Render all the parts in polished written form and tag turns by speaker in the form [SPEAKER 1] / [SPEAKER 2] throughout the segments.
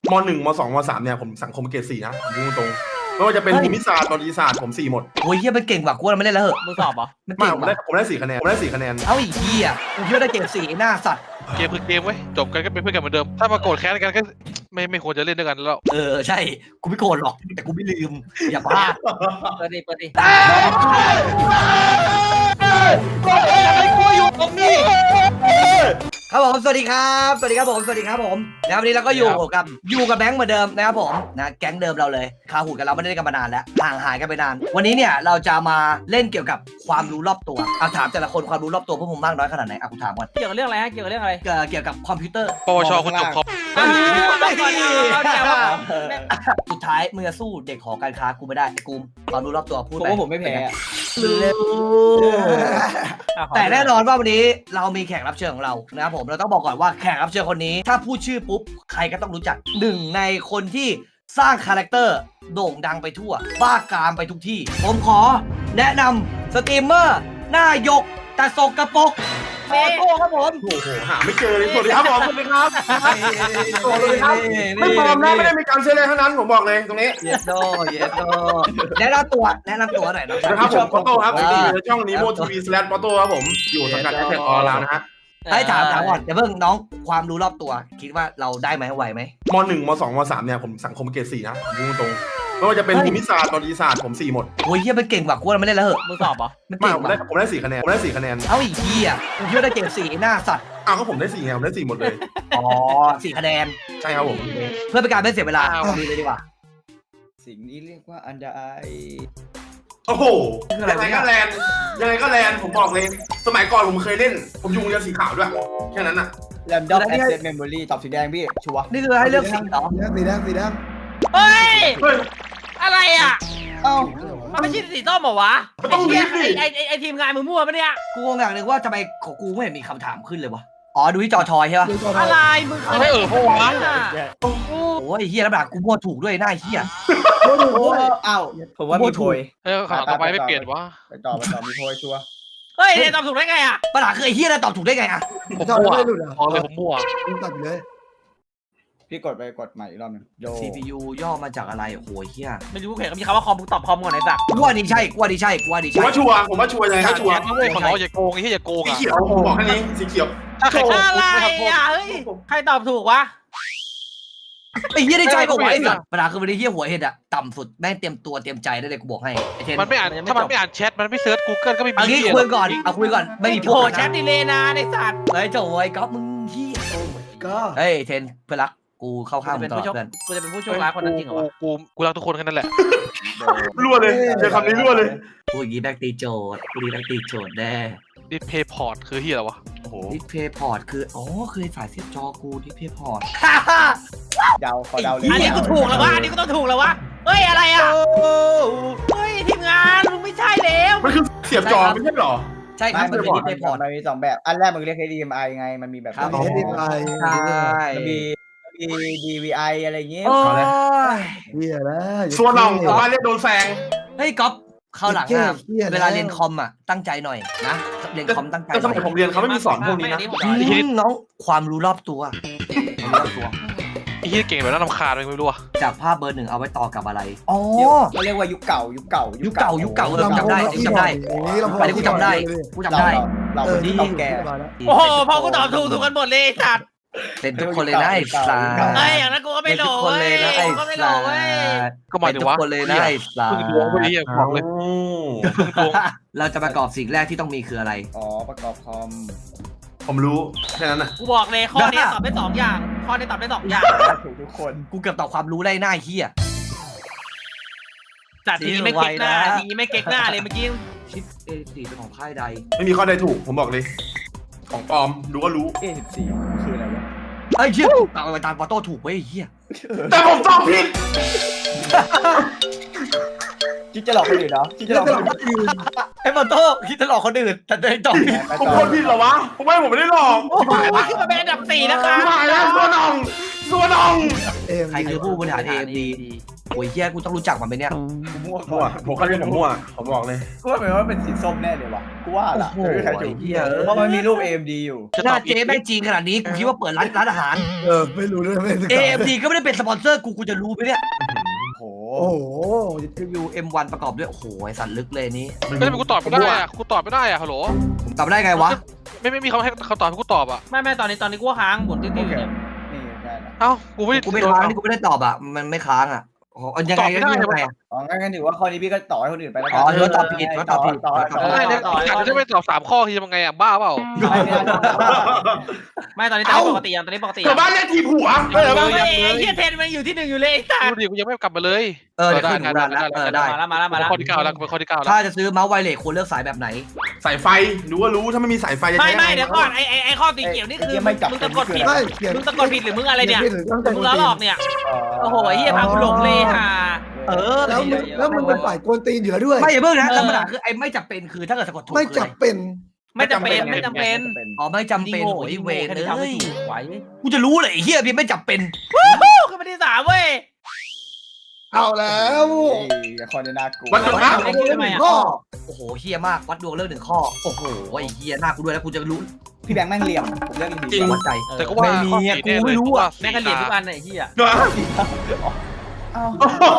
[SPEAKER 1] ม.1 ม.2 ม.3เนี่ยผมสังคมเกรด4นะผมพูดตรงไม่ว่าจะเป็นภูมิศาสตร์ประวัติศาสตร์ผม4หมด
[SPEAKER 2] โอ้ยเฮียมันเก่งกว่ากูเราไม่เล่นแล้วเหอะ
[SPEAKER 3] มึงสอบเหรอ
[SPEAKER 2] มัน
[SPEAKER 1] ไม่
[SPEAKER 2] เก่ง
[SPEAKER 1] ผม
[SPEAKER 2] ก
[SPEAKER 1] ได้
[SPEAKER 2] ว่า
[SPEAKER 1] ผมได้4 คะแนนผมได้4 คะแนน
[SPEAKER 2] เอาอีกเฮียกูคิดว่าได้เก่งสี่หน้าสัตว์
[SPEAKER 4] เกมคือเกมเว้ยจบกันก็เป็นเพื่อนกันเหมือนเดิมถ้ามาโกรธแค้นกันก็ไม่ควรจะเล่นด้วยกันแล้ว
[SPEAKER 2] ใช่กูไม่โกรธหรอกแต่กูไม่ลืมอย่าพลาด
[SPEAKER 3] เปิดดิเปิดดิ
[SPEAKER 2] ครับผมสวัสดีครับสวัสดีครับผมสวัสดีครับผมนะครับวันนี้เราก็อยู่กับแบงค์เหมือนเดิมนะครับผมนะแก๊งเดิมเราเลยคาหูกันเราไม่ได้เล่นกันมานานแล้วห่างหายกันไปนานวันนี้เนี่ยเราจะมาเล่นเกี่ยวกับความรู้รอบตัวเอาถามแต่ละคนความรู้รอบตัวพวกผมมากน้อยขนาดไหนอ่ะกูถามก่อน
[SPEAKER 3] เกี่ยวกับเรื่องอะไรฮะเกี่ยวกับเรื่องอะไร
[SPEAKER 2] เกี่ยวกับคอมพิวเตอร์
[SPEAKER 4] ปวชคุณจบคอม
[SPEAKER 3] เอาใจว่า
[SPEAKER 2] สุดท้ายมึงจะสู้เด็กหอการค้ากูไม่ได้ไอ้กูมความรู้รอบตัวพูด
[SPEAKER 3] ผม
[SPEAKER 2] ไป
[SPEAKER 3] ว่าผมไม่แพ้อะ
[SPEAKER 2] แต่แน่นอนว่าวันนี้เรามีแขกรับเชิญของเรานะครับผมเราต้องบอกก่อนว่าแขกรับเชิญคนนี้ถ้าพูดชื่อปุ๊บใครก็ต้องรู้จักหนึ่งในคนที่สร้างคาแรคเตอร์โด่งดังไปทั่วบ้ากามไปทุกที่ผมขอแนะนำสตรีมเมอร์หน้ายกแต่สกปรกขอโทษครับผม
[SPEAKER 1] โอ้โหหาไม่เจอเลยสวัสดีครับผมสวัสดีครับสวัสดีครับไม่ปลอมนะไม่ได้มีการเชื่อเลยทั้งนั้นผมบอกเลยตรงนี้
[SPEAKER 2] เยสโดแนะนำตัวหน่อยนะ
[SPEAKER 1] นะครับผมโปโต้ครับในช่องนีโมทีวีสแลชโปโต้ครับผมอยู่สังกัดแอคแท็กออลาวนะฮะ
[SPEAKER 2] ให้ถามก่อนเดี๋ยวเพิ่งน้องความรู้รอบตัวคิดว่าเราได้ไหมไหวไหม
[SPEAKER 1] ม.1 ม.2 ม.3เนี่ยผมสังคมเกรด4นะผมพูดตรงไม่ว่าจะเป็นภูมิศาสตร์ประวัติศาสตร์ผม4หมด
[SPEAKER 2] โอ้ยเฮียมันเก่งกว่ากูเราไม่เล่นแล้วเหอะ
[SPEAKER 3] มึงสอบเหรอ
[SPEAKER 2] มัน
[SPEAKER 1] ไม่
[SPEAKER 2] เก่ง
[SPEAKER 1] ผม
[SPEAKER 2] กว่า
[SPEAKER 1] ได้4 คะแนนผมได้4 คะแนน
[SPEAKER 2] เอาอีกทีอ่ะกูคิดว่าได้เก่งสี่หน้าสัตว์
[SPEAKER 1] อ้าวก็ผมได้4 ไงผมได้4หมดเลย
[SPEAKER 2] อ๋อสี่คะแนน
[SPEAKER 1] ใช่ครับผม
[SPEAKER 2] เพื่อเป็นการไม่เสียเวลาดูเลยดีกว่า
[SPEAKER 5] สิ่งนี้เรียกว่าอันใด
[SPEAKER 1] โอ้โหยังไงก็แลนผมบอกเลยสมัยก่อนผมเคยเล่นผมอยู่โรงเรียนสีขาวด้วยแค่นั้นน่ะ
[SPEAKER 5] แรมดอมแอสเซทเมมโมรี่ตอบสีแดงพี่ ชัวร์
[SPEAKER 2] นี่คือให้เลือกสีเหรอ
[SPEAKER 6] สีแดง
[SPEAKER 3] เฮ้ย
[SPEAKER 1] เฮ้ย
[SPEAKER 3] อะไรอ่ะ
[SPEAKER 5] เอ้า
[SPEAKER 3] มันไม่ใช่สีส้มเหรอวะ
[SPEAKER 1] มันต้อง
[SPEAKER 3] ไอ้เหี้ย
[SPEAKER 1] มีสิ
[SPEAKER 3] ไอ้ทีมงานมึงมั่วปะเนี่ย
[SPEAKER 2] กูงงอย่างหนึ่งว่าทำไมของกูไม่เห็นมีคำถามขึ้นเลยวะอ๋อดูที่จอทอยใช่ปะ
[SPEAKER 3] อะไรมึง
[SPEAKER 4] ไม่เพราะว่า
[SPEAKER 2] โอ้ยเฮียแล้วแบบกูมั่วถูกด้วยหน้าเฮีย
[SPEAKER 5] โอ้เอ้าผมว่ามีโพย
[SPEAKER 4] ข่าวต่อไปไม่เปลี่ยนวะ
[SPEAKER 5] ไปต่อมีโพยชัวร์
[SPEAKER 3] เฮ้ยเนี่ยตอบถูกได้ไงอ่ะ
[SPEAKER 2] ปัญหาคือไอ้เฮียแล้วตอบถูกได้ไงอะ
[SPEAKER 4] ผม
[SPEAKER 6] จอด
[SPEAKER 4] มั่ว
[SPEAKER 6] ไม่หลุดอ่ะ
[SPEAKER 4] พอเลยผมมั่ว
[SPEAKER 6] ตัดเลย
[SPEAKER 5] พี่กดใหม่อีกรอบหนึงโย
[SPEAKER 2] CPU ย่อมาจากอะไรโอ้โหเฮีย
[SPEAKER 3] ไม่รู้เห็นเขามีคำว่าคอมมึงตอบคอมก่อนไอ้สัตว์
[SPEAKER 2] กูว่านี่ใช่กูว่านี่ใช่
[SPEAKER 1] ผมว่าชัวร์ยังไงก็ชัวร์
[SPEAKER 4] แค่ขอร้องอย่าโกงไอ้ที่อย่าโกง
[SPEAKER 1] สี
[SPEAKER 4] อ่ะ
[SPEAKER 1] เขียวผมบอกแค่นี้สีเขียว
[SPEAKER 4] ถ้าใคร
[SPEAKER 3] อะไรอ่ะเฮ้ยใครตอบถูกวะ
[SPEAKER 2] ไอ้เฮียได้ใจบอกว่าไอ้สัตว์ปัญหาคือวันนี้เฮียหัวเห็ดอะต่ำสุดแม่งเตรียมตัวเตรียมใจได้เลยกูบอกให้ไอ้เทน
[SPEAKER 4] มันไม่อ่านถ้ามันไม่อ่านแชทมันไม่เซิร์ช Google ก็ไม่มี
[SPEAKER 2] เอางี้คุยก่อนไม่มี
[SPEAKER 3] โอ้แชทดีเลยนะไอ้สัตว์
[SPEAKER 2] เฮ้ยโจ้ไอ้ก๊อฟมึงเฮีย
[SPEAKER 6] ก็
[SPEAKER 2] เฮ้ยเทนเพื่อนรักกูเข้าข้างมึ
[SPEAKER 3] เป็
[SPEAKER 2] ง
[SPEAKER 3] น
[SPEAKER 2] ตลอ
[SPEAKER 3] ผู้
[SPEAKER 2] ด
[SPEAKER 3] โชค
[SPEAKER 2] เพื่อน
[SPEAKER 3] กูจะเป็นผู้โชคร้ายคนนั้นจริงเหรอวะ
[SPEAKER 4] กูรักทุกคนแค่นั้นแหละ
[SPEAKER 1] รั่วเลยเจอคำนี้รั่วเลย
[SPEAKER 2] กูอย่างงี้แบกตีโจทย์กูดีแบกตีโจทย์แน่
[SPEAKER 4] ดิสเพย์พอร์ตคือที่อะไรวะโอ้โห
[SPEAKER 2] ดิสเพย์พอร์ตคืออ๋อคือสายเสียบจอกูดิสเพย์พอร์ต
[SPEAKER 5] เดาขอเดาเลย
[SPEAKER 3] อันนี้กูถูกแล้ววะอันนี้กูต้องถูกแล้ววะเฮ้ยอะไรอ่ะเฮ้ยทีมงานมึงไม่ใช่แล้ว
[SPEAKER 1] มันคือเสียบจอไม่ใช่หรอ
[SPEAKER 2] ใช่ครับมันคือดิสเพย์พอร์ต
[SPEAKER 5] มันมี2แบบอันแรกมึงเรียก HDMI ไงมันมีแบบ
[SPEAKER 2] ครับ
[SPEAKER 6] มี HDMI
[SPEAKER 2] ใช่
[SPEAKER 5] มันมี DVI อะไรเงี้ย
[SPEAKER 2] โอ้ย
[SPEAKER 6] เฮียแล้ว
[SPEAKER 1] ส่วนน้องผมว่าเรียกโดนแซง
[SPEAKER 2] เฮ้ยก๊อฟเข้าหลังอะ
[SPEAKER 6] เหี้ยแล้ว
[SPEAKER 2] เวลาเรียนคอมอะตั้งใจหน่อยนะเรียนคอมตั้งใจ
[SPEAKER 1] แต่
[SPEAKER 2] ห
[SPEAKER 1] ส
[SPEAKER 2] น่
[SPEAKER 1] มั
[SPEAKER 2] อย
[SPEAKER 1] ยผมเรียนเขาไม่มีสอนพวกนี้นะ
[SPEAKER 2] น้องความรู้รอบตัวความรู้รอบตัว
[SPEAKER 4] ไอ้ที่เก่งแบบน่ารำคาญไม่รู้อ่ะ
[SPEAKER 2] จากภาพเบอร์หนึ่งเอาไว้ต่อกับอะไรอ๋อ
[SPEAKER 5] เขาเรียกว่ายุคเก่า
[SPEAKER 2] ยุคเก่าจำได้จำได้ อันนี้กูจำได้กูจำได้
[SPEAKER 5] เราเป็นที่ต้องแก่
[SPEAKER 3] โอ้โหพอกูตอบถูกกันหมดเลยไอ้สัตว์
[SPEAKER 2] เป็นทุกคนเลยนะไอ้สา
[SPEAKER 3] เฮ้ยอย่างนั้นกูก็ไม่
[SPEAKER 2] เป็น
[SPEAKER 3] โหล
[SPEAKER 2] ทุกคน
[SPEAKER 3] เว้
[SPEAKER 2] เลย ยนะไอ้
[SPEAKER 3] กูก็ไม่โหล
[SPEAKER 2] สา
[SPEAKER 3] เว้ย
[SPEAKER 4] ก็หมายถึงว่า
[SPEAKER 2] เป็นทุกคนเลยนะไอ้สา
[SPEAKER 4] พึ่งดวงพวกนี้บอกเลย
[SPEAKER 2] เราจะประกอบสิ่งแรกที่ต้องมีคืออะไร
[SPEAKER 5] อ๋อประกอบคอม
[SPEAKER 1] ผมรู้แค่นั้นน่ะ
[SPEAKER 3] กูบอกเลยข้อนี้ตอบได้2อย่างข้อนี้ตอบได้2อย่าง
[SPEAKER 5] ถูกทุกคน
[SPEAKER 2] กูเกือบตอบความรู้ได้หน้าเฮีย
[SPEAKER 3] จัดทีนี้ไม่เก๊กหน้าทีนี้ไม่เก๊กหน้าเลยเมื่อกี้
[SPEAKER 2] ชิป A4 เป็นของค่ายใด
[SPEAKER 1] ไม่มีข้อใดถูกผมบอกเลย ของปลอมดูก็รู้
[SPEAKER 5] A14 คืออะไรวะ
[SPEAKER 2] ไอ้เฮียตามไปตามปอโต้ถูกเว้ยเฮีย
[SPEAKER 1] แต่ผมตอบผิด
[SPEAKER 5] คิดจะหลอกคนอื่นเหรอคิดจะหลอกคนอื่น
[SPEAKER 2] ไอ้ปอโต้คิดจะหลอกคนอื่นแต่ได้ตอบผิด
[SPEAKER 1] ผมคนผิดเหรอวะผมไม่ได้หลอก
[SPEAKER 3] โอ้โหขึ้นมาเป็นอันดับ4นะคะ
[SPEAKER 1] หายแล้วสัวน้อง
[SPEAKER 6] เอ็ม
[SPEAKER 2] ใครคือผู้บริหาร AMD โอ้ยเฮียกูต้องรู้จักมันไหมเนี่ย
[SPEAKER 5] กูมั่ว
[SPEAKER 1] มั่วผมก็เรียกผมมั่วผมบอกเลย
[SPEAKER 5] กูว่าเป็นว่าเป็นสีส้มแน่เลยวะกูว่าล่ะ
[SPEAKER 2] โอ้โห
[SPEAKER 5] ไม่มีใครถูก
[SPEAKER 2] เหี้ย
[SPEAKER 5] เพราะมันมีรูป AMD อยู่
[SPEAKER 2] หน้าเจ๊แม่งจีนขนาดนี้กูคิดว่าเปิดร้านอาหาร
[SPEAKER 6] ไม่รู้ด้วยไม่ศึกษา
[SPEAKER 2] AMD ก็ไม่ได้เป็นสปอนเซอร์กูจะรู้ไหมเนี่ย
[SPEAKER 5] โอ้โห
[SPEAKER 6] โอ้โห
[SPEAKER 2] รีวิว M1 ประกอบด้วยโอ้โหไอสัตว์ลึกเลยนี้
[SPEAKER 4] เฮ้ยทำไมกูตอบไม่ได้อะกูตอบไม่ได้อะฮัลโหล
[SPEAKER 2] ผมตอบได้ไงวะ
[SPEAKER 4] ไม่มีคำให้คำตอบให้กูตอบอะ
[SPEAKER 3] ไม่ตอนนี้กูค้างหมุนติ้วๆอยู่เนี่ย
[SPEAKER 5] นี่ได้ละ
[SPEAKER 4] เอ้ากูไม่
[SPEAKER 2] กูไม่ค้างนี่กูไม่ได้ตอบอ่ะมันไม่ค้างอ่ะโอ้โหยังไงก็ยังไง
[SPEAKER 5] อ๋องั้นถือว่าข้อนี้พี่ก็ต่อให้คนอื่นไปแล้วกั
[SPEAKER 2] อ๋อถือว่าตอบผิดว่าตอบผิด
[SPEAKER 5] ต่อ
[SPEAKER 4] ไม่เนี่ยอยากจะไม่ตอบ3 ข้อคือยังไงอะบ้าเปล่า
[SPEAKER 3] ไม่ตอนนี้ตอนนี้ปกติยังตอนนี้ปกติ
[SPEAKER 1] เกิดบ้านเรียกทีผัว
[SPEAKER 3] เฮ้ยเฮียเทนมันอยู่ที่ 1อยู่เลยไอ้สัส
[SPEAKER 4] ดูดิกูยังไม่กลับมาเลย
[SPEAKER 2] เดี๋ยวขึ้นหูดันแล้วได้
[SPEAKER 3] มาแล้ว
[SPEAKER 4] ข้อที่9แล้วเป็นข้อที่9แล้ว
[SPEAKER 2] ถ้าจะซื้อเมาส์ไวเลสควรเลือกสายแบบไหน
[SPEAKER 1] สายไฟรู้ว่ารู้ถ้าไม่มีสายไฟจะใช้
[SPEAKER 3] ไม่เดี๋ยวก่อนไอ้ข้อสีเขียวนี่คือมึงสะกดผิด
[SPEAKER 6] ไม่เขียน
[SPEAKER 3] มึงสะกดผิดหรือมึงอะไรเนี่ย
[SPEAKER 6] ขีผิดตั้งแต่
[SPEAKER 3] มึงล้อหลอกเนี่ยโอ้โหเฮียพากูหลงเลยค่ะ
[SPEAKER 6] แล้วมึงเป็นฝ่ายกวนตีนอยู่แล้วด้วย
[SPEAKER 2] ไม่อย่าเพิ่งนะธรรมดาคือไอ้ไม่จำเป็นคือถ้าเกิดสะกดถูก
[SPEAKER 6] ไม่จับเป็น
[SPEAKER 3] ไม่จำเป็น
[SPEAKER 2] อ๋อไม่จำเป็นโอ้ยเวร
[SPEAKER 3] แค่
[SPEAKER 2] เล
[SPEAKER 3] นี้ทำไม่
[SPEAKER 2] ย
[SPEAKER 3] ถูกไว้
[SPEAKER 2] กูจะรู้เลยไอ้เฮียพี่ไม่จำเป็น
[SPEAKER 3] ขึ้นมาที่3เว้ย
[SPEAKER 6] เอาแล้ว
[SPEAKER 5] ข้อนี้น่ากลัว
[SPEAKER 1] วันจุดครับ
[SPEAKER 3] ไอ้กูทำไมอ่ะ
[SPEAKER 6] ข้อ
[SPEAKER 2] โอ้โหเฮียมากวัดดวงเรื่อง1 ข้อโอ้โหไอ้เฮียหน้ากูด้วยแล้วกูจะรู้
[SPEAKER 5] พี่แบงค์แม่งเหลี่ยมผมเลือกจ
[SPEAKER 1] จริ
[SPEAKER 5] ริ
[SPEAKER 1] ง
[SPEAKER 5] ง
[SPEAKER 2] วัดใจ
[SPEAKER 4] แต่ก็ว่า
[SPEAKER 2] ไม่มีอะกูไม่รู้อะ
[SPEAKER 3] แม่งกันเหรียญทุกอันไอ้เฮีย
[SPEAKER 1] เนอะ
[SPEAKER 5] ๆอ้าว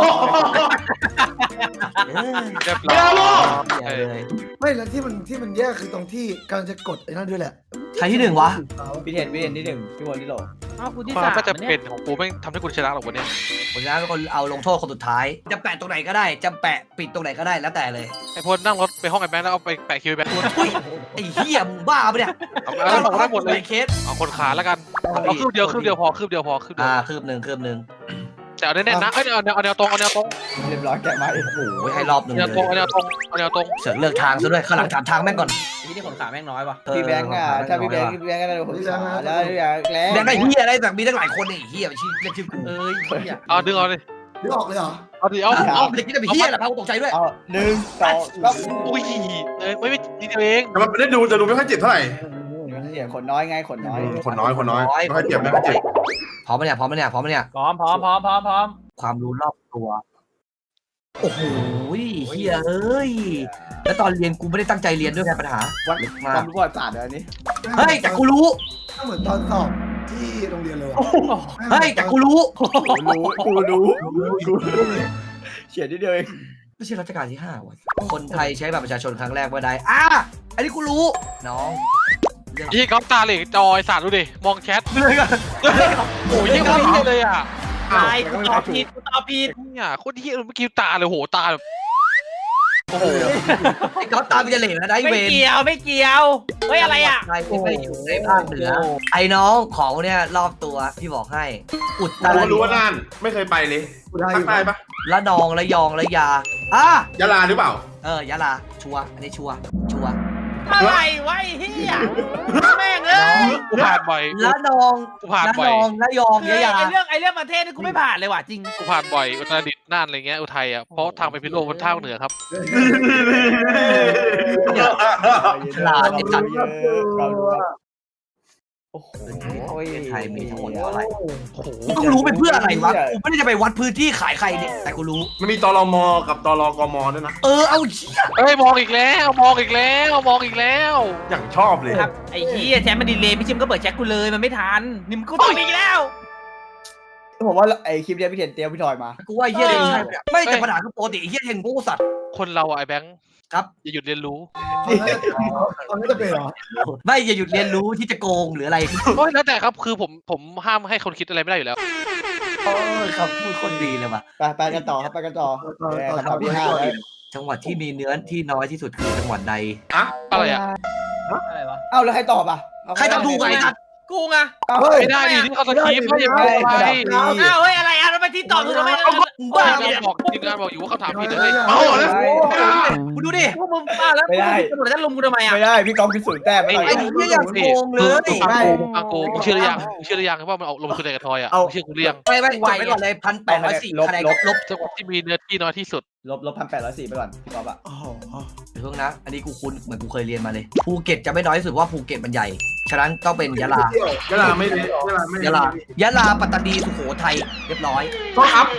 [SPEAKER 4] เรียบ
[SPEAKER 1] เดี๋
[SPEAKER 4] ร้
[SPEAKER 1] ย
[SPEAKER 4] อ
[SPEAKER 1] วย ลูก
[SPEAKER 2] เหี้ยเลย
[SPEAKER 6] ไม่แล้วที่มันแย่คือตรงที่กำลังจะกดไอ้นั่นด้วยแหละ
[SPEAKER 2] ใครที่ 1วะ
[SPEAKER 5] พี่เทนที่หนึ่งพี่บอลที่โหล
[SPEAKER 3] อ้าวกูที่
[SPEAKER 4] ความ
[SPEAKER 3] 3
[SPEAKER 4] ก็จะเป็นของกูไม่ทำให้กูชนะหรอกวันนี้
[SPEAKER 2] ผมจะเป็นคนเอาลงโทษคนสุดท้ายจะแปะตรงไหนก็ได้จะแปะปิดตรงไหนก็ได้แล้วแต่เลย
[SPEAKER 4] ไอ้พลนั่งรถไปห้องไอ้แบงค์แล้วเอาไปแปะคิวไอ้แบงค์
[SPEAKER 2] อุ้ยไอ้เหี้ยมึงบ้าปะเนี่ย
[SPEAKER 4] เอาได้หมดเลย
[SPEAKER 2] เคส
[SPEAKER 4] เอาคนขาแล้วกันเอาคืบเดียวพอคืบเดียว
[SPEAKER 2] คืบหนึ่ง
[SPEAKER 4] แต่เอาแน่ๆนะเอาแนวตรง
[SPEAKER 5] เรียบร้อยแกะมา
[SPEAKER 2] โอ้ยให้รอบหนึ่ง
[SPEAKER 4] แน
[SPEAKER 2] เล
[SPEAKER 4] วตรง
[SPEAKER 2] ย
[SPEAKER 4] แนวตรง
[SPEAKER 2] เสือกเลือกทางซะด้วยข้างหลังถามทางแม่งก่อน
[SPEAKER 3] ที่ขนขาแม่งน้อยว่ะ
[SPEAKER 5] พี่แบงค์อ่ะถ้าพี่แบงค์ก็ได้ผมสาแล้วแล้ว
[SPEAKER 2] แบงค์ได้เหี้ยอะไรแต่มีตั้งหลายคนไอ้เหี้ยไปชี้เรียกชื่อกู
[SPEAKER 3] เอ้ยเฮีย
[SPEAKER 4] เอาดึงเอาเลย
[SPEAKER 6] นึกออกเลยเหรอ
[SPEAKER 4] เอาดิเอา
[SPEAKER 2] เอาไปคิดจะไปเหี้ยอะไรพากูตกใจด้วย
[SPEAKER 5] เอา1 2แล้ว
[SPEAKER 4] อุ้ยไม่นิดเดียวเอง
[SPEAKER 1] แต่มันไม่ได้ดูจะดูไม่ค่อยเจ็บเท่าไหร่
[SPEAKER 5] เนี่ยขนน้อยไงขนน้อย
[SPEAKER 1] คนน้อยไม่ค่อยเจ็บไม่ค่อยเจ็บ
[SPEAKER 2] พร้อมไหมเนี่ย
[SPEAKER 3] พร้อม
[SPEAKER 2] ความรู้รอบตัวโอ้โหเหี้ยเอ้ยแล้วตอนเรียนกูไม่ได้ตั้งใจเรียนด้วยไงปัญหา
[SPEAKER 5] วัด
[SPEAKER 2] ลึก
[SPEAKER 5] ค
[SPEAKER 2] มาว
[SPEAKER 5] าก มรู้ประวัติศาสตร์เลยอันนี้
[SPEAKER 2] เฮ้ยแต่กูรู้
[SPEAKER 6] ก็เหมือนตอนสอบที่โรงเรียนเลยว่ะ
[SPEAKER 2] เฮ้ยแต่กูรู้
[SPEAKER 5] กูรู้เขียนนิดเดียวเอง
[SPEAKER 2] ไม่ใช่รัชกาลที่5ว่ะคนไทยใช้บัตรประชาชนครั้งแรกเมื่อใดอันนี้กูรู้น้องเรื่อง
[SPEAKER 4] ยี่ก๊อฟตาเหล็กจอยสาดดูดิมองแชท
[SPEAKER 2] เรื่อง
[SPEAKER 4] โอ้ยยี่คนเฮียเลยอ่ะ
[SPEAKER 3] ตายกูตอบผิด
[SPEAKER 4] เนี่ยโคตรเฮียเมื่อกี้ตาเลยโหตาแบบโอ้โห
[SPEAKER 2] ไอ้ก๊อฟตามไปจะเหลวนะได้
[SPEAKER 3] ไม่
[SPEAKER 2] เวร
[SPEAKER 3] เกี่ยวเฮ้ยอะไรอ่ะ
[SPEAKER 2] ใครที่ไม่อยู่ในภาคเหนือไอ้น้องของเนี่ยรอบตัวพี่บอกให้ อุตร
[SPEAKER 1] รู้ว่าน่านไม่เคยไปเลยภาคใต้ปะ
[SPEAKER 2] ละนองละยองละยาย
[SPEAKER 1] ะลาหรือเปล่า
[SPEAKER 2] ยะลาชัวร์อันนี้ชัวร์
[SPEAKER 3] อะไรวะไอ้เฮียแม่งเอ้ย
[SPEAKER 4] กูผ่านบ่อย
[SPEAKER 2] ละนอง
[SPEAKER 4] กูผ่าน
[SPEAKER 2] ละ
[SPEAKER 4] บ่อน ย
[SPEAKER 2] องละยอง
[SPEAKER 3] คือ
[SPEAKER 2] ละยา
[SPEAKER 3] ไอ้เรื่องประเทศนี่กูไม่ผ่านเลยว่ะจริง
[SPEAKER 4] กูผ่านบ่อยอุตรดิตถ์น่านอะไรเงี้ยอุทัยอ่ะเพราะทางไปพิษณุโลกมันทางเหนือครับ
[SPEAKER 2] ฉลาดไอ้สัตว์
[SPEAKER 5] โอ้โห
[SPEAKER 2] ไทยมีทั้งหมดเท่าไหร่
[SPEAKER 4] โอ้โห
[SPEAKER 2] กูต้องรู้เป็นเพื่ออะไรวะกูไม่ได้จะไปวัดพื้นที่ขายใครเนี่ยแต่กูรู้
[SPEAKER 1] มันมีตรมกับตรกมด้วยนะ
[SPEAKER 2] เอาเชี่ย
[SPEAKER 4] เฮ้ยมองอีกแล้ว
[SPEAKER 1] อย่างชอบเลย
[SPEAKER 3] ครับไอ้เฮียแชมป์มันดีเลยพี่ชิมก็เปิดแช็คกูเลยมันไม่ทันนี่มันกูต้องอีกแล้ว
[SPEAKER 5] ผมว่าไอคลิปนี้พี่เทนเตี้ยพี่ทอยมา
[SPEAKER 2] กูว่าเฮียเลยใช่ไม่แต่ปัญหาคือปกติเฮียเห็นกูสัตว์
[SPEAKER 4] คนเราอะไอ้แบงค์
[SPEAKER 2] ครับ
[SPEAKER 4] อย่าหยุดเรียนรู้
[SPEAKER 6] ตอนนี้จะเป็นเหรอ
[SPEAKER 2] ไม่อย่าหยุดเรียนรู้ที่จะโกงหรืออะไร
[SPEAKER 4] โอ้ยแล้วแต่ครับคือผมห้ามให้คนคิดอะไรไม่ได้อยู่แล้ว
[SPEAKER 2] คำพูดคนดีเลยว่ะ
[SPEAKER 5] ไปกันต่อครับไปกันต่อคำถามที่5แล้ว
[SPEAKER 2] จังหวัดที่มีเนื้อที่น้อยที่สุดคือจังหวัดใด
[SPEAKER 4] อะไรอ่ะ
[SPEAKER 3] อะไรวะ
[SPEAKER 5] เอ้าแล้วใครตอบอ่ะ
[SPEAKER 2] ใครตอบถูกไอ้สัตว์
[SPEAKER 3] กูไง
[SPEAKER 6] เฮ้ย
[SPEAKER 4] ไม่ได้ดิที่เขาสคริปต์เขาอย่าไป
[SPEAKER 3] อ้าวเฮ้ยอะไรอ่ะทำไมที่ตอบถูกทำไม
[SPEAKER 2] มึงบ้า
[SPEAKER 4] ที
[SPEAKER 2] เนี่ย
[SPEAKER 4] มงานบอกอยู่ว่าเขาถามผิดเลย
[SPEAKER 1] เอาแล้ว
[SPEAKER 2] มึงดูดิ
[SPEAKER 3] พวกมึงบ้าแล้วตำรวจจะลุมกูทำไมอ่ะ
[SPEAKER 5] ไม่ได้พี่กองคือ0 แต้มไม่
[SPEAKER 2] ไอ้เหี้ยอย่างโกงเลย
[SPEAKER 4] ฟังกูมึงเชื่อหรือยังว่ามันออกลงทุนในกระทอยอ่ะมึงเชื่อกูหรือยัง
[SPEAKER 2] ไม่จบไปก่อนเลย1,804คะแนนลบ
[SPEAKER 4] จังหวัดที่มีเนื้อที่น้อยที่สุด
[SPEAKER 5] ลบ1,804ไปก่อนพี่กอล์ฟอ่ะ
[SPEAKER 6] โอ้โห
[SPEAKER 2] เพิ่งนะ อันนี้กูคุ้นเหมือนกูเคยเรียนมาเลยภูเก็ตจะไม่น้อยที่สุดว่าภูเก็ตมันใหญ่ฉะนั้นต้องเป็นยะลาย
[SPEAKER 1] ะลาไม่เลยยะลาไม่
[SPEAKER 2] ยะลาปัตตานีสุโขทัยเรียบร้อย
[SPEAKER 1] ก็อัพ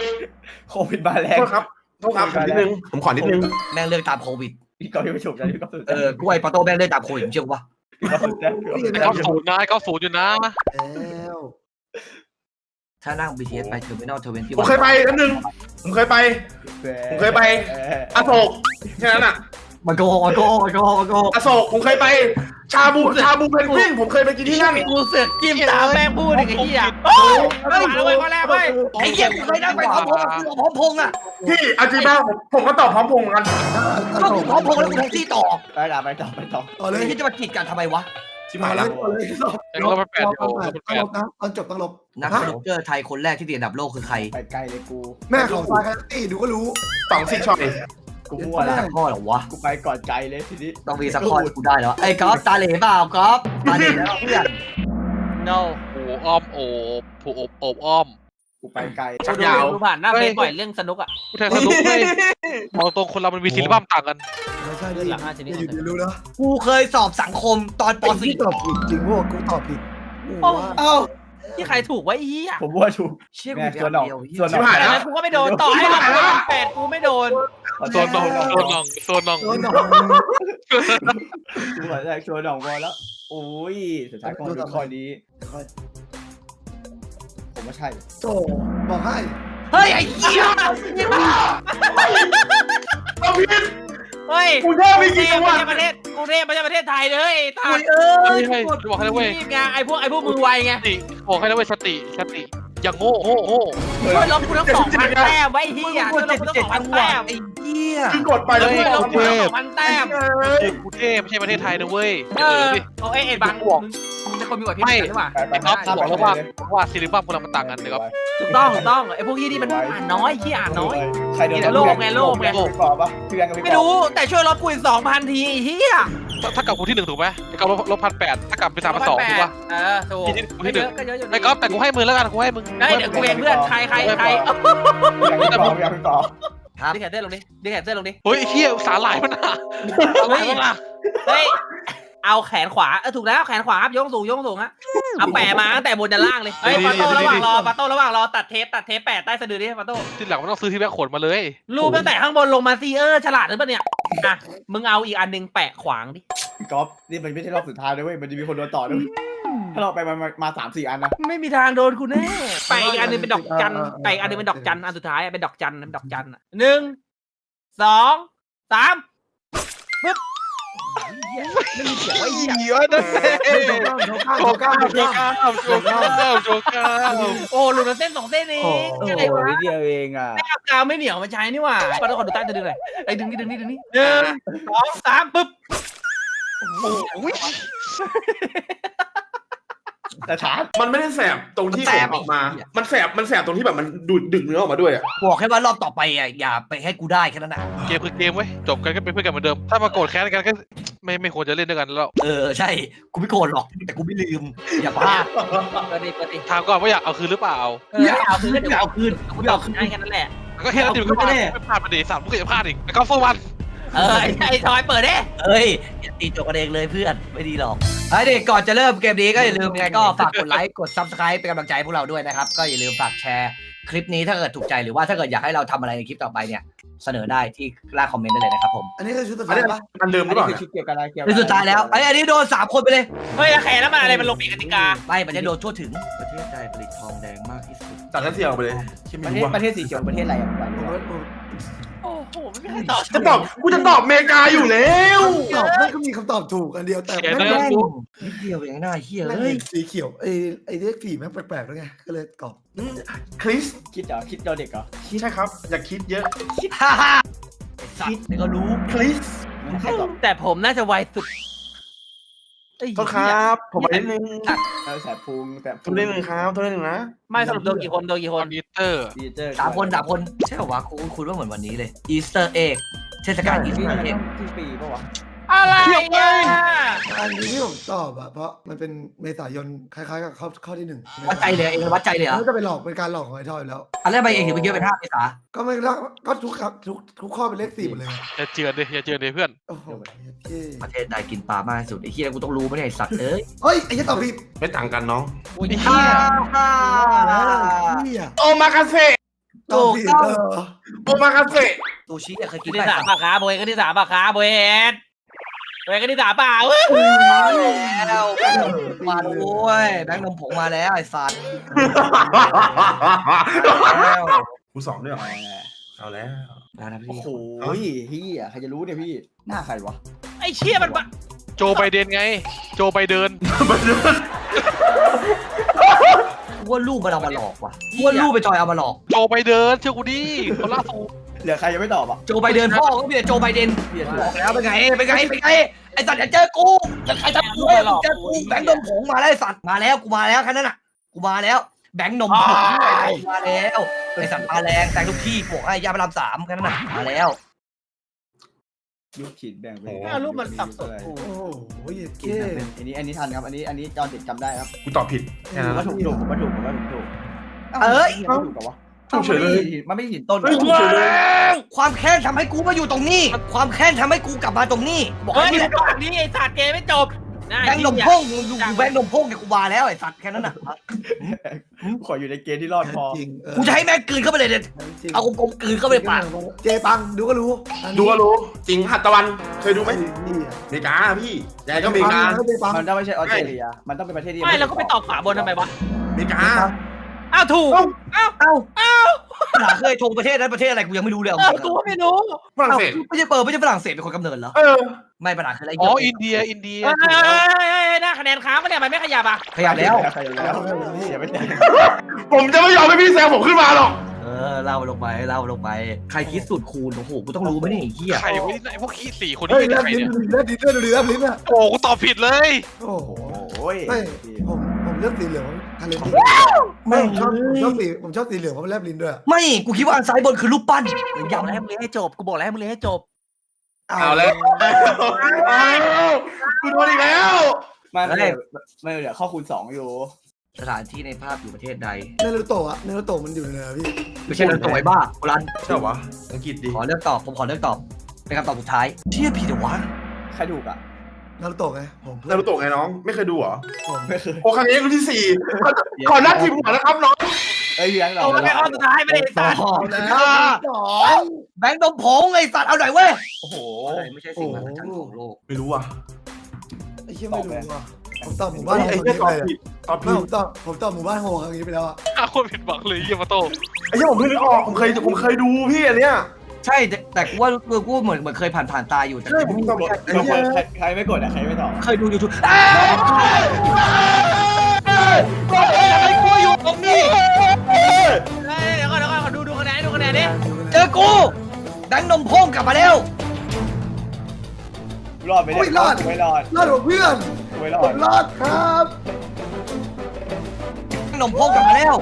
[SPEAKER 5] โควิดมาแรง
[SPEAKER 1] โทษครับนิดนึงผมขอนิดนึง
[SPEAKER 2] แม่งเลือกตามโควิด
[SPEAKER 5] พี่กอล์ฟยังไม่จบนะพี่กอล์ฟสุด
[SPEAKER 2] กล้วยปาโต้แม่งเลือกตามโควิดเชื่อปะ
[SPEAKER 5] พี่กอล์ฟสุดแล้ว
[SPEAKER 4] 90นะ90อยู่นะ
[SPEAKER 6] แล้ว
[SPEAKER 2] ถ้านั่ง BTS ไปเทอร์มินอล21
[SPEAKER 1] ผมเคยไปนิดนึงผมเคยไปอโศกแค่นั้นอ่ะ
[SPEAKER 2] มันโกหก
[SPEAKER 1] อโศกผมเคยไปชาบูเพนกวินผมเคยไปกินที่นั่น
[SPEAKER 3] กูเสือกจิ้มตามแม่งพูดอีกไอ้เหี้ยโอ้ยมาเลยข้อแรกเว้ย
[SPEAKER 2] ไอ้เหี้ยกูเคยนั่งไปพร้อมพงษ์อะพร้อมพงษ์อะ
[SPEAKER 1] พี่อาจีบ้าผมก็ตอบพร้อมพงษ์เหมือนกัน
[SPEAKER 2] ก็กูพร้อมพงษ์แล้วกูแท็กซี่ต่อ
[SPEAKER 5] ไปต่อ
[SPEAKER 6] ต่อเลย
[SPEAKER 2] ไอ้ที่จะมากีดกันทำไมวะ
[SPEAKER 1] ชิบหายแล้ว
[SPEAKER 6] ต่อเลย
[SPEAKER 4] เราเป็นแปด
[SPEAKER 6] ต้อง
[SPEAKER 4] อยู่
[SPEAKER 6] ลบนะตอนจบต้องลบ
[SPEAKER 2] นักสนุกเกอร์ไทยคนแรกที่ติดอันดับโลกคือใคร
[SPEAKER 5] ไปไกลเลยกู
[SPEAKER 6] แม่ของซายกันตี้ดูก็รู้
[SPEAKER 1] 2 ช็อต
[SPEAKER 5] กูมั่วแล้ว
[SPEAKER 2] สักข้อเหรอวะ
[SPEAKER 5] กูไปก่อนไกลเลยทีนี้
[SPEAKER 2] ต้องมีสักข้อที่กูได้แล้วไอ้ก๊อฟตาเหล่เปล่าก๊อฟตาเหล่แล้วเพื่อน
[SPEAKER 3] no
[SPEAKER 4] โอ้อ้อมโอบผูโอบอ้อม
[SPEAKER 5] กูไปไกล
[SPEAKER 1] ชักยาว
[SPEAKER 3] ดูผ่านหน้าเฟซบ่อยเรื่องสนุกอ่ะ
[SPEAKER 4] ผู้แทนสนุกเลยมองตรงคนเรามันมีศิลปะต่างกัน
[SPEAKER 6] ไม่ใช่ดิ
[SPEAKER 3] หลัง5ชนิด
[SPEAKER 6] อยู่ดีรู้นะ
[SPEAKER 2] กูเคยสอบสังคมตอนป
[SPEAKER 6] พี่ตอบผิดจริงพวกกูตอบผิด
[SPEAKER 3] โอ้
[SPEAKER 5] เอ้า
[SPEAKER 3] ที่ใครถูกไว้ไอ้เหี้ย
[SPEAKER 5] ผมมั่วถูก
[SPEAKER 2] 4เชี่ยกู
[SPEAKER 5] แม่
[SPEAKER 2] มี
[SPEAKER 5] ส่วนหน
[SPEAKER 2] อั
[SPEAKER 5] อน ก
[SPEAKER 2] เดียว
[SPEAKER 5] ส่วนหน
[SPEAKER 1] ชิ
[SPEAKER 5] อบ ก
[SPEAKER 1] หาย
[SPEAKER 3] แต่
[SPEAKER 1] แล้ว
[SPEAKER 3] นั้นกูก็ไม่โดนต่อให้มันเป็น8กูไม่โดน
[SPEAKER 4] โซนน้อง
[SPEAKER 6] โดนหนอง
[SPEAKER 5] กูหัวใจส่วนหนองพอแล้วโอ้ยสุดท้ายก็ดูข้อนี้ผมว่าใช่
[SPEAKER 6] โจบอกให้
[SPEAKER 2] เฮ้ยไอ้เหี้ย
[SPEAKER 1] เอาพี่
[SPEAKER 3] เฮ้ย
[SPEAKER 1] กูแค่ไม่กี่จังหวัด
[SPEAKER 3] ไม่ใช่ประเทศไทยเลยตา
[SPEAKER 2] คุ
[SPEAKER 3] ย
[SPEAKER 2] ยเอ้
[SPEAKER 4] เฮ้
[SPEAKER 2] ย
[SPEAKER 4] ยเฮ้ยบอกให้แล้วเว้ย
[SPEAKER 3] นี่ไงไอ้พวกมือไวไง
[SPEAKER 4] สติบอกให้แล้วเว้ยสติอย่างโง่โง่
[SPEAKER 3] ช่วยลบกูทั้ง2,000แต้มไว้ไอ้เหี้ยช่วยลบกูทั้ง
[SPEAKER 2] จัง
[SPEAKER 3] 2,000
[SPEAKER 2] หวั
[SPEAKER 3] แต้
[SPEAKER 2] ด
[SPEAKER 3] ม
[SPEAKER 2] ไอ้เหี้ย
[SPEAKER 1] คือกดไปแล้ว
[SPEAKER 3] ช่วยลบกูทั้ง
[SPEAKER 4] เฮ้ย
[SPEAKER 3] 2,000แต้ม
[SPEAKER 4] กูเทพไม่ใช่ประเทศไทยนะเว้ย
[SPEAKER 3] เออเอาไอ้บังมึงเป็นคนมีกว่าพี่หรือเปล่า
[SPEAKER 5] ไป
[SPEAKER 4] ครับบอกแล้วว่าศิลปะคนเรามันต่างกันนะครับ
[SPEAKER 3] ถูกต้องไอ้พวกที่มันอ่านน้อยที่อ่านน้อย
[SPEAKER 5] ใครเดิน
[SPEAKER 3] โลกไง
[SPEAKER 5] ไม่กรอบปะพี่แบงค์ก็ไม่
[SPEAKER 3] ไม่รู้แต่ช่วยลบกูอีก 2,000 ทีไอ้เหี้ย
[SPEAKER 4] ถ้ากับกูที่1ถูกไหมไอ้กับลบ1,800ถ้ากับเป็น3,200ถูกป่ะ
[SPEAKER 3] เออถูก
[SPEAKER 4] ที่หนึ่ง
[SPEAKER 3] ก็เยอะอยู่
[SPEAKER 4] ไอ้ก๊อฟแต่กูให้มึงแล้วกันกูให้มึง
[SPEAKER 3] ได้เดี๋ยวกูเองเพื่อนใคร
[SPEAKER 5] พี่แบงค์ไม่กรอบ
[SPEAKER 2] ครับ
[SPEAKER 3] ดิแขนเต้นลงดิดิแขนเต้นลงดิ
[SPEAKER 4] เฮ้ยไอ้เหี้ยสาหร่ายมันอ่ะสาหร่ายมันอ่ะ
[SPEAKER 3] เฮ้ยเอาแขนขวาถูกแล้วแขนขวาครับยกสูงฮะเอาแปะมาตั้งแต่บนจนล่างเลยเฮ้ยปาโต้ระหว่างรอตัดเทปแปะใต้สะดือดิปาโต้
[SPEAKER 4] ที่หลังมันต้องซื้อที่แบกขนมาเลย
[SPEAKER 3] รูปตั้งแต่ข้างบนลงมาซีฉลาดหรือเปล่าเนี่ยอ่ะมึงเอาอีกอันนึงแปะขวางดิ
[SPEAKER 5] กอล์ฟนี่มันไม่ใช่รอบสุดท้ายนะเว้ยมันจะมีคนโดนต่อด้วยถ้าเราไปมา3-4 อันนะ
[SPEAKER 3] ไม่มีทางโดนกูแน่แปะอีกอันนึงเป็นดอกจันแปะอีกอันนึงเป็นดอกจันอันสุดท้ายเป็นดอกจัน1 2 3ปึ๊บไม่มีเสียงไว้เหี้ย
[SPEAKER 4] เหี้ยนั่นแหละ
[SPEAKER 6] โชก้า
[SPEAKER 4] โจก้า
[SPEAKER 3] โอ้หลุดมาเส้น2 เส้นเองอะไรวะ
[SPEAKER 5] เดียวเองอ่ะ
[SPEAKER 3] ไม่เอากาวไม่เหนียวมาใช้นี่หว่าปาต้องขอดูใต้จะดึงหน่อยไอ้ดึงนี่1 2 3ปึ๊บ
[SPEAKER 5] แต่ชาร์จ
[SPEAKER 1] มันไม่ได้แสบตรงที่ผมออกมา มันแสบตรงที่แบบมันดูดดึงเนื้อออกมาด้วยอ่ะ
[SPEAKER 2] บอกแค่ว่ารอบต่อไปอ่ะอย่าไปให้กูได้แค่นั้นนะ
[SPEAKER 4] เกมคือเกมเว้ยจบกันก็เป็นเพื่อนกันเหมือนเดิมถ้ามาโกรธแค้นกันก็ไม่ควรจะเล่นด้วยกันแล้ว
[SPEAKER 2] ใช่กูไม่โกรธหรอกแต่กูไม่ลืมอย่าพลาด
[SPEAKER 3] เปิดดิ
[SPEAKER 4] ถามก่อนว่าอยากเอาคืนหรือเปล่า
[SPEAKER 2] อย่าเอาคืนอย่าเอาคืนกูไม่เอาคืน
[SPEAKER 3] ง่ายกันนั่นแหละ
[SPEAKER 4] ก็แค่นั้นดิมันก็พลาดไม่พลาดประเดี๋ยว3มึงก็จะพลาดอีกไอ้กอล์ฟโฟวัน
[SPEAKER 3] ไอ้ทอยเปิดดิ
[SPEAKER 2] เอ้ยอย่าตีจบกันเองเลยเพื่อนไม่ดีหรอกไอ้เด็กก่อนจะเริ่มเกมนี้ก็อย่าลืมยังไงก็ฝากกดไลค์กด Subscribe เป็นกำลังใจให้พวกเราด้วยนะครับก็อย่าลืมฝากแชร์คลิปนี้ถ้าเกิดถูกใจหรือว่าถ้าเกิดอยากให้เราทำอะไรในคลิปต่อไปเนี่ยเสนอได้ที่ล่างคอมเมนต์ได้เลยนะครับผม
[SPEAKER 6] อันนี้คือชุดสุด
[SPEAKER 1] อัน
[SPEAKER 6] ท้าย
[SPEAKER 1] นี้
[SPEAKER 6] ปะ
[SPEAKER 1] มันเดิมห
[SPEAKER 5] อั
[SPEAKER 1] รื
[SPEAKER 5] น
[SPEAKER 1] อเป
[SPEAKER 5] นี้
[SPEAKER 1] ล่า
[SPEAKER 5] คือชุดเกี่ยวกับอะไรเกี่ยว
[SPEAKER 2] ในสุดท้ายแล้วอันนี้โดน3 คนไปเลย
[SPEAKER 3] เฮ้ยแขนแล้วมันอะไรมันลงปีกติกา
[SPEAKER 2] ไม่มันจะโดนทั่วถึงประเทศใดผลิตทองแดงมากที่สุด
[SPEAKER 1] ตัดกันเสียงไปเลยที่
[SPEAKER 5] ป
[SPEAKER 1] ไม่
[SPEAKER 5] ระเท
[SPEAKER 1] รู้
[SPEAKER 5] ศ
[SPEAKER 1] ว่า
[SPEAKER 5] ประเทศสีเขียวประเทศอะไรอ่ะ
[SPEAKER 3] โอ้โหไม่มีใครตอบ
[SPEAKER 1] กูจะตอบอเมริกาอยู่แล้ว
[SPEAKER 6] ตอบไม่ก็มีคำตอบถูกอันเดียวแต่
[SPEAKER 4] เขียน
[SPEAKER 6] ไม่
[SPEAKER 4] ได้
[SPEAKER 6] ได้
[SPEAKER 2] นิดเดียวเองหน้าเฮีย
[SPEAKER 6] เฮ้
[SPEAKER 2] เฮ้
[SPEAKER 6] ย
[SPEAKER 2] ย
[SPEAKER 6] สีเขียวไอ้เลข4แม่งแปลกๆแล้วไงก็เลยตอบ
[SPEAKER 1] คริส
[SPEAKER 5] คิดเหรอคิดเราเด็กเหรอ
[SPEAKER 1] ใช่ครับ อย่าคิดเยอะ
[SPEAKER 2] ฮ่าฮ่าไอ้สัตว์นี่ก็รู้
[SPEAKER 1] คริส
[SPEAKER 5] ใครตอบ
[SPEAKER 3] แต่ผมน่าจะไวสุด
[SPEAKER 1] โทษครับ ผมไปนิดนึง
[SPEAKER 5] แสบพุงแสบ
[SPEAKER 1] โทษนิดนึงครับโทษนิดนึงนะ
[SPEAKER 3] ไม่สรุปโดนกี่คน
[SPEAKER 4] คอมพิวเตอร์
[SPEAKER 5] ดีเจอร์
[SPEAKER 2] 3 คนใช่เหรอวะคุณว่าเหมือนวันนี้เลยอีสเตอร์เอ็กเทศกาลอีส
[SPEAKER 5] ที่
[SPEAKER 2] เตอร์เอ็ก
[SPEAKER 5] ปีปะวะ
[SPEAKER 3] อะไรอ่ะ
[SPEAKER 6] อันนี้ที่ผมตอบอะเพราะมันเป็นเมษายนคล้ายๆกับข้อที่1
[SPEAKER 2] วัดใจเลยเองวัดใจเลยเหรอ
[SPEAKER 6] มันจะไปหลอกเป็นการหลอกของไอ้ทอยแล้ว
[SPEAKER 2] อันแรกไปเองถึงไปเยอะเป็น5 เมษา
[SPEAKER 6] ก็ไม่ก็ทุกข้อเป็นเลข4หมดเลย
[SPEAKER 4] อย่าเจือนดิเพื่อน
[SPEAKER 6] โอ้โห
[SPEAKER 2] ประเทศใดกินปลามากที่สุดไอ้เฮียกูต้องรู้ไม่ใช่สัตว์เอ้ย
[SPEAKER 6] เฮ้ยไอ้ยี่ตอบผิด
[SPEAKER 1] ไม่ต่างกันน้อง
[SPEAKER 3] อุ้ย
[SPEAKER 2] ฮ่า
[SPEAKER 3] เหี้ย
[SPEAKER 2] ฮ่า
[SPEAKER 6] เฮีย
[SPEAKER 1] โอมากาเซ่
[SPEAKER 2] ถูกต้อง
[SPEAKER 1] โอมากาเสะ
[SPEAKER 2] ซูชิเนี่ยเคยกิ
[SPEAKER 3] กิ
[SPEAKER 2] น
[SPEAKER 3] น
[SPEAKER 2] ไหม
[SPEAKER 3] ที่สามปะขาโบยกันที่สามปะขาโบยเอ็ดโบยกันที่สามเปล่า
[SPEAKER 2] แล้วมาด้วยแบงค์นมผงมาแล้วไอ้สัตว์แล้ว
[SPEAKER 1] กูสองด้วยเหรอเอาแล้ว
[SPEAKER 2] นะพี่
[SPEAKER 5] โอ้โหเฮียใครจะรู้เนี่ยพี่หน้าใครวะ
[SPEAKER 3] ไอ้เชี่ยมันปะ
[SPEAKER 4] โจไบเดนไง โจไบเดน
[SPEAKER 2] ว่าลูกมันเอามาหลอกว่ะว่าลูกไปจอยเอามาหลอก
[SPEAKER 4] โจไบเดนเชื่อกูดิคนล่าสุด
[SPEAKER 5] เหลือใครยังไม่ตอบอ่ะ
[SPEAKER 2] โจไบเดนพ่อก็มีแต่โจไบเดน
[SPEAKER 5] เปลี่ยน
[SPEAKER 2] บอกแล้วเป็นไงไอ้สัตว์อย่าเจอกูจะใครทำกูเจอกูแบงค์นมผงมาแล้วไอ้สัตว์มาแล้วกูมาแล้วแค่นั้นน่ะกูมาแล้วแบงค์นมผงมาแล้วไอ้สัตว์มาแรงแต่งทุกที่พวกไอ้ยาพารามสามแค่นั้นน่ะมาแล้ว
[SPEAKER 5] ลูกขีดแบ่งไป
[SPEAKER 3] รูปมันสับสนกู
[SPEAKER 6] โอ้โหเก้
[SPEAKER 5] อันนี้ทันครับอันนี้จอนติดจำได้ครับ
[SPEAKER 1] กูตอบผิดแค่นั้น
[SPEAKER 5] ว่าถูกผมว่าถูกถูกกับวะ
[SPEAKER 1] ถูกเฉยเลย
[SPEAKER 5] มันไม่หินต้น
[SPEAKER 1] เฮ้ยถูกเฉยเลย
[SPEAKER 2] ความแค้นทำให้กูมาอยู่ตรงนี้ ความแค้นทำให้กูกลับมาตรงนี้บอก
[SPEAKER 3] เฮ้ย
[SPEAKER 2] ให้
[SPEAKER 3] นี่
[SPEAKER 2] นี่
[SPEAKER 3] ก่อนนี้ไอ้สัตว์เกมไม่จบ
[SPEAKER 2] แบงค์นมพ่งอยู่แบงค์นมพ่งเนี่ยกูมาแล้วไอ้สัตว์แค่นั้นน่ะ
[SPEAKER 5] ขออยู่ในเกณฑ์ที่รอดพอ
[SPEAKER 6] จริง
[SPEAKER 2] กูจะให้แม่งกลืนเข้าไปเลยเด็ดเอากลมๆกลืนเข้าไปในปาก
[SPEAKER 6] เจปังดูก็รู้
[SPEAKER 1] ดูก็รู้จริงหัตถวันเคยดูไหม
[SPEAKER 6] นี่
[SPEAKER 1] อเมริกาพี่ยังไงก็อเมริกา
[SPEAKER 6] เจปัง
[SPEAKER 5] มันต้องไม่ใช่ออสเตรเลียมันต้องเป็นประเทศที่
[SPEAKER 3] ไม่เราก็ไปตอบฝาบนทำไมวะ
[SPEAKER 1] อเมริกา
[SPEAKER 3] อ้าวถูก
[SPEAKER 2] เอ้าหาเคยทงประเทศนั้นประเทศอะไรกูยังไม่รู้เลย
[SPEAKER 3] เออกูก็ไม่รู้
[SPEAKER 1] ฝรั่งเศส
[SPEAKER 2] ไม่ใช่ฝรั่งเศสเป็นคนกำเนิดเหรอ
[SPEAKER 1] เออ
[SPEAKER 2] ไม่ปัญหาคืออะไร
[SPEAKER 4] อ๋ออินเดียถูกแล้ว
[SPEAKER 3] หน้าคะแนนค้างปะเนี่ยมันไม่ขยับอ่ะ
[SPEAKER 2] ขยับแล้ว
[SPEAKER 5] ใครแล้วอย่าไม่ได้
[SPEAKER 1] ผมจะไม่ยอมให้พี่แซงผมขึ้นมาหรอก
[SPEAKER 2] เล่าลงไปใครคิดสูตรคูณโอ้โหกูต้องรู้ไหมเนี่ยไอ้เหี้ย
[SPEAKER 4] ใครไว้ไอ้พวกขี้สี่คน
[SPEAKER 6] เฮ้ย
[SPEAKER 4] นี้
[SPEAKER 6] แล
[SPEAKER 4] เป็น
[SPEAKER 6] บ
[SPEAKER 4] ใคร
[SPEAKER 6] ลิ้น
[SPEAKER 4] เนี่ย
[SPEAKER 6] แลบลิ้นด้วยดูดิแลบลิ้นอ่ะ
[SPEAKER 4] โอ้กูตอบผิดเลย
[SPEAKER 6] โอ้โห
[SPEAKER 5] โอ้ย
[SPEAKER 6] ไม่ผมเลือกสีเหลืองทะเลสีไม่ผมชอบสีเหลืองเพราะมันแลบลิ้นด้วย
[SPEAKER 2] ไม่กูคิดว่าอันซ้ายบนคือรูปปั้น
[SPEAKER 3] กูบอกแล้วให้มึงเรียนให้จบกูบอกแล้วให้มึงเรียนให้จบ
[SPEAKER 1] เอาแล้วกูโดนอีกแล้ว
[SPEAKER 5] มันเหลือข้อคูณ2อยู่
[SPEAKER 2] สถานที่ในภาพอยู่ประเทศใด
[SPEAKER 6] เนรูโตะเนรูโตะมันอยู่ในพี่
[SPEAKER 2] ไม่ใช่เรื่องตัวไอ้บ้าโบราณ
[SPEAKER 1] ใช่วะอังกฤษดิ
[SPEAKER 2] ผมขอเลือกตอบเป็นคำตอบสุดท้ายเชี่ยผิดเหรอวะ
[SPEAKER 5] ใครถูกอ่ะ
[SPEAKER 6] นารูโตะไงผม
[SPEAKER 1] นารูโตะไงน้อง ไม่เคยดูเหรอ
[SPEAKER 5] ไม่เคย
[SPEAKER 1] โอ้ครั้งนี้รุ่นที่สี่ขอนัดทีมหัวนะครับน้อง
[SPEAKER 5] เอ้ยพี่แบงค์เรา
[SPEAKER 3] โอ้มันเป็นข้อสุดท้ายไม่ได้สัตว์
[SPEAKER 2] แบงค์นมผงไอ้สัตว์เอาหน่อยเว้ย
[SPEAKER 5] โอ้โห
[SPEAKER 2] ไม่ใช่สิ่งมหัศจรรย์ของโลก
[SPEAKER 1] ไม่รู้อ่ะ
[SPEAKER 6] ไอ้เชี่ยไม่รู้อ่ะผมตอบหมู่บ้าน
[SPEAKER 1] ไอ้
[SPEAKER 6] โฮ
[SPEAKER 1] เหี้ยตอบ
[SPEAKER 6] เลย
[SPEAKER 1] ผิดตอบ
[SPEAKER 6] ไม่
[SPEAKER 1] ผิด
[SPEAKER 6] ผมตอบหมู่บ้านโฮครั้งนี้ไปแล้วอ่ะ
[SPEAKER 4] อ้าวคนผิดหวังเลยเยี่ยมาโต้
[SPEAKER 1] ไอ้เหี้ยผมเพิ่งนึกออกผมเคยดูพี่อันเนี้ย
[SPEAKER 2] ใช่แต่กูว่ากูเหมือนเคยผ่านตาอยู่แต่
[SPEAKER 1] ใช่ผมตอบผิดไอ้เหี้ย
[SPEAKER 5] ใครไม่กดอ่ะใครไม่ตอบ
[SPEAKER 2] เคยดูยูทูบบอกเองไอ้กูอยู่ตรงนี้
[SPEAKER 3] เดี๋ยวก่อนขอดูคะแนนดิ
[SPEAKER 2] เจอกูแบงค์นมพงกลับมาแล้ว
[SPEAKER 5] รอดไม่ได้รอดไม่รอด
[SPEAKER 6] รอดของเพื่อน
[SPEAKER 5] ไม่รอ
[SPEAKER 6] ผ
[SPEAKER 5] ด
[SPEAKER 6] มรอดครับ
[SPEAKER 2] แบงค์นมพงกลับมาแล้ว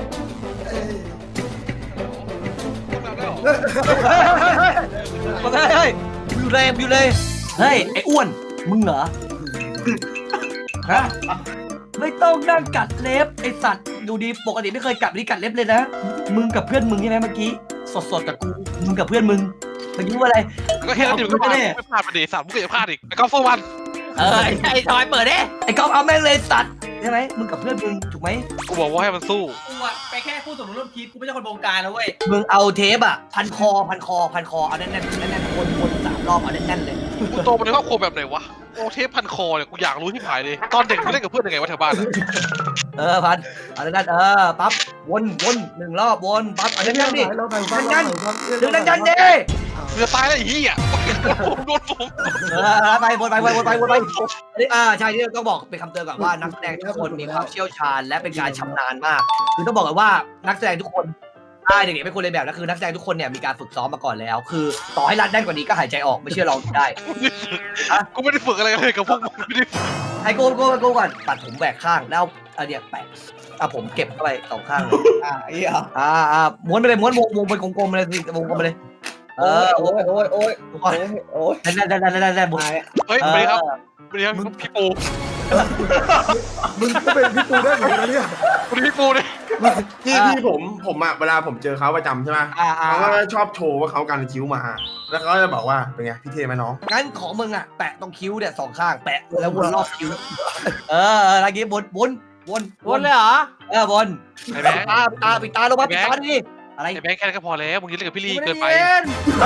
[SPEAKER 2] เฮ้ยอยู่เลยเฮ้ยไอ้อ้วนมึงเหรอฮะไม่ต้องนั่งกัดเล็บไอ้สัตว์ดูดีปกติไม่เคยกัดนี่กัดเล็บเลยนะมึงกับเพื่อนมึงใช่ไหมเมื่อกี้สดกับกูมึงกับเพื่อนมึงเมื่อกี้ว่าอะไร
[SPEAKER 4] ก็แค่นั้นเดียวก็พลาดไม่พลาดไปดิสามมึงก็จะพลาดอีกแล้วก็โฟวัน
[SPEAKER 3] ไอ้ทอยเปิดดิ
[SPEAKER 2] ไอ้ก๊อฟเอาแม่งเลยสัตว์ใช่ไหมมึงกับเพื่อนมึงถูกไหม
[SPEAKER 4] กูบอกว่าให้มันสู้
[SPEAKER 3] กูอะไปแค่ผู้สมรู้ร่วมคิดกูไม่ใช่คนบงการนะเว้ย
[SPEAKER 2] มึงเอาเทปอ่ะพันคอเอาแน่นคน3 รอบเอาแน่นเลย
[SPEAKER 4] กูโตมาในครอบครัวแบบไหนวะโอเทปพันคอเนี่ยกูอยากรู้ที่ผายเลยตอนเด็กมึงเล่นกับเพื่อนยังไงวะแถวบ้านอะ
[SPEAKER 2] พันเอาแน่นปั๊บวน1 รอบวนปั๊บเอาแน่นดิ
[SPEAKER 6] เราไปบ้าน
[SPEAKER 2] ดึงดันดิ
[SPEAKER 4] เรือตายแล้วไอ้เหี้ยโดนผม
[SPEAKER 2] ไปวนไปใช่ที่ต้องบอกเป็นคำเตือนก่อนว่านักแสดงทุกคนมีความเชี่ยวชาญและเป็นการชำนาญมากคือต้องบอกกันว่านักแสดงทุกคนใช่เด็กๆเป็นคนเรียนแบบแล้วคือนักแสดงทุกคนเนี่ยมีการฝึกซ้อมมาก่อนแล้ว คือต่อให้รัดแน่นกว่านี้ก็หายใจออกไม่เชื่อลองได้
[SPEAKER 4] กูไม่ได้ฝึกอะไรเลยกับพวกมึงไม่ได้
[SPEAKER 2] ไอ้โก้ก่อนตัดผมแหวกข้างแล้วเอาเนี่ยแปะผมเก็บเข้าไป2 ข้างเลย
[SPEAKER 5] ไอ้เหี้ย
[SPEAKER 2] ม้วนไปเลยม้วนวงเป็นกลมๆเลยสิวงกลมไปเลยโอ้ยได้บุญ
[SPEAKER 4] เฮ้ยสวัสดีครับสวัสดีครับพี่ปู
[SPEAKER 6] มึงก็เป็นพี่ตูได้เหมือนกันเนี่ย
[SPEAKER 4] สวัสดีพี่ปูเลย
[SPEAKER 1] พี่ผมอะเวลาผมเจอเขาประจำใช่ไหมเขาก็ชอบโชว์ว่าเขากันคิ้วมา แล้วเขาจะบอกว่าเป็นไงพี่เท่ไหมน้อง
[SPEAKER 2] งั้นของมึงอ่ะแปะตรงคิ้วเนี่ย2 ข้างแปะแล้ววนรอบคิ้วอะไรกี้วน
[SPEAKER 3] วนเลยเหรอ
[SPEAKER 2] วน
[SPEAKER 4] ไอ้แบงค์
[SPEAKER 2] ปิดตาลงมาปิดตาดิอะไร
[SPEAKER 4] ไอ้แบงค์แค่นั้นก็พอแล้วมึงจะเล่นกับพี่ลี
[SPEAKER 3] กูม่
[SPEAKER 4] เกิ
[SPEAKER 3] ด้
[SPEAKER 4] นไป
[SPEAKER 3] เย็น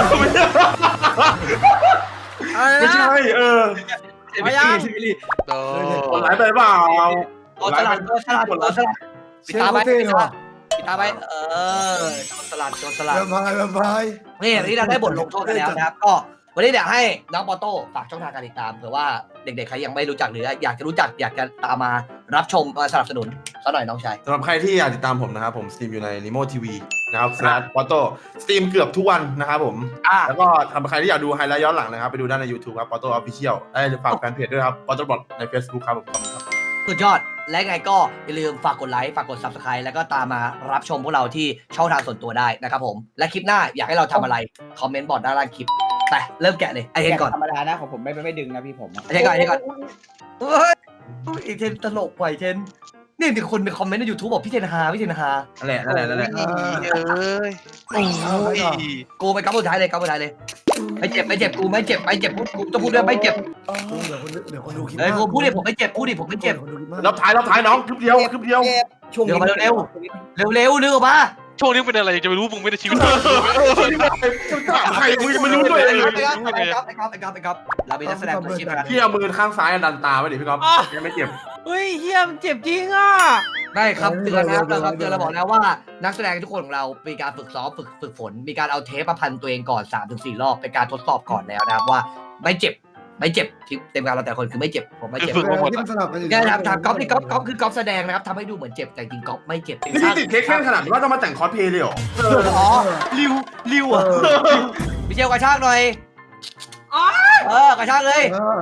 [SPEAKER 3] อะไร
[SPEAKER 1] ไม่
[SPEAKER 3] นะ
[SPEAKER 1] ใช่
[SPEAKER 3] เอายัง
[SPEAKER 4] เออ
[SPEAKER 1] คนร้ายไปเปล่า
[SPEAKER 2] ตัวสลัดตัวสลัดตัวสลัดปิด
[SPEAKER 6] เชื่อ
[SPEAKER 2] ตาไป
[SPEAKER 6] เขาเท่เลยว่ะ
[SPEAKER 2] ปิดตาไปตัวสลัดตัวสลัด
[SPEAKER 6] แวมไพร์แวมไพร์
[SPEAKER 2] นี่วันนี้เราได้บทลงโทษกันแล้วนะครับก็วันนี้เดี๋ยวให้น้องปอโต้ฝากช่องทางการติดตามเผื่อว่าเด็กๆใครยังไม่รู้จักหรืออยากจะรู้จักอยากจะตามมารับชมมาสนับสนุนซะหน่อยน้องชาย
[SPEAKER 1] สำหรับใครที่อยากติดตามผมนะครับผมสตรีมอยู่ใน Nemo TV นะครับสแลชปอโต้สตรีมเกือบทุกวันนะครับผม แล้วก็สำหรับใครที่อยากดูไฮไลท์ย้อนหลังนะครับไปดูได้ใน YouTube ครับปอโต้ออฟฟิเชียลฝากแฟนเพจด้วยครับปอโต้บอทใน Facebook ครับผมขอบคุณครับ
[SPEAKER 2] สุดยอดและไงก็อย่าลืมฝากกดไลค์ฝากกด Subscribe แล้วก็ตามมารับชมพวกเราที่ช่องทางส่วนตัวได้นะครับผมและคลิปหน้าอยากให้เราทำอะไรคอมเมนต์บอกด้านล่างคลิปไปเริ่มแกะเลยไอเทนก่อน
[SPEAKER 5] ธรรมดานะของผมไม่ดึงนะพี่ผม
[SPEAKER 2] ไอเทนก่อนไอเทนก่อนเฮ้ยไอเทนตลกกว่าไอเทนนี่มีคนในคอมเมนต์ใน YouTube บอกพี่เทนฮาพี่เทนฮา
[SPEAKER 1] นั่นแหละนั่นแหละนั่นแหละ
[SPEAKER 4] เอ้ยโอ้ย
[SPEAKER 2] กูไปกับสุดท้ายเลยกับสุดท้ายเลยไม่เจ็บกูไม่เจ็บกูต้องพูดด้วยไม่เจ็บ
[SPEAKER 6] เดี๋ยวคนดูคลิป
[SPEAKER 2] เฮ้ยกูพูดดิผมไม่เจ็บพูดดิผมไม่เจ็บ
[SPEAKER 1] รอบท้ายน้องคลิปเดียว
[SPEAKER 5] ช่วงนี้
[SPEAKER 2] เร็วนึกออกมา
[SPEAKER 4] ช่วงนี้เป็นอะไรจะไม่รู้มึงไม่ได้ชีวิต
[SPEAKER 1] ใครมึงไม่รู้ด้วยเลย
[SPEAKER 2] ไอ้ก๊อฟเราเป็นนักแสดงมืออาชีพนะ
[SPEAKER 1] พี่เอามือข้างซ้ายดันตาไว้ดิพี่ก๊อฟยังไม่เจ็บ
[SPEAKER 3] เฮ้ยเฮียมันเจ็บจริงอ่ะ
[SPEAKER 2] ได้ครับเตือนนะครับเราเตือนเราบอกแล้วว่านักแสดงทุกคนของเรามีการฝึกซ้อมฝึกฝนมีการเอาเทปมาพันตัวเองก่อน 3-4 รอบเป็นการทดสอบก่อนแล้วนะครับว่าไม่เจ็บที่เต็มการเราแต่คนคือไม่เจ็บผมไม่เจ็บ
[SPEAKER 6] ที่มันสลับกันอยู่
[SPEAKER 2] แค่ถามก๊อฟนี่ก๊อฟคือก๊อฟแสดงนะครับทำให้ดูเหมือนเจ็บแต่จริงก๊อฟไม่เจ็บ
[SPEAKER 1] นี่ติดเค้กแค่ขนาดว่าต้องมาแต่งคอสเพลย์เลยเหรอ
[SPEAKER 2] อ๋อริวอ่ะพี่เชลกระชากหน่อยกระชากเลย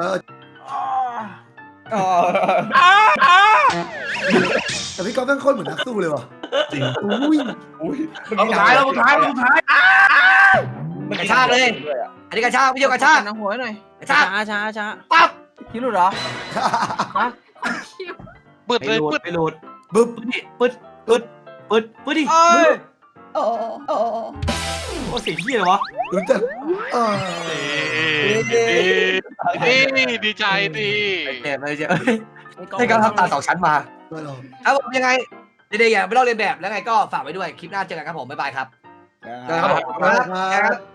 [SPEAKER 6] แต่พี่ก๊อฟเป็นคนเหมือนนักสู้เลยว่ะ
[SPEAKER 1] จริง
[SPEAKER 6] อุ้ย
[SPEAKER 1] เราสุดท้าย
[SPEAKER 2] กระชากเลยอันนี้กระชากพี่เชลกระชาก
[SPEAKER 3] น้ำหัวหน่อย
[SPEAKER 2] กระชาก
[SPEAKER 3] ช้า
[SPEAKER 2] ปั๊บ
[SPEAKER 3] คิดรู้เหรอ
[SPEAKER 4] เปิดเลยเปิด
[SPEAKER 2] ไม่หลุด
[SPEAKER 6] บึ๊บ
[SPEAKER 2] ปึ๊ดดิ
[SPEAKER 3] เอ้ย
[SPEAKER 2] โอ้เสียงเหี้ยเลยวะ
[SPEAKER 6] รู้จัก
[SPEAKER 4] ดีใจดี
[SPEAKER 2] ไม่เจ็บให้เขาทำตา2 ชั้นมา
[SPEAKER 6] ไม่หรอก
[SPEAKER 2] ครับผมยังไงเด็กๆอย่าไปลอกเลียนแบบแล้วไงก็ฝากไว้ด้วยคลิปหน้าเจอกันครับผมบ๊ายบายครับ
[SPEAKER 6] ครับ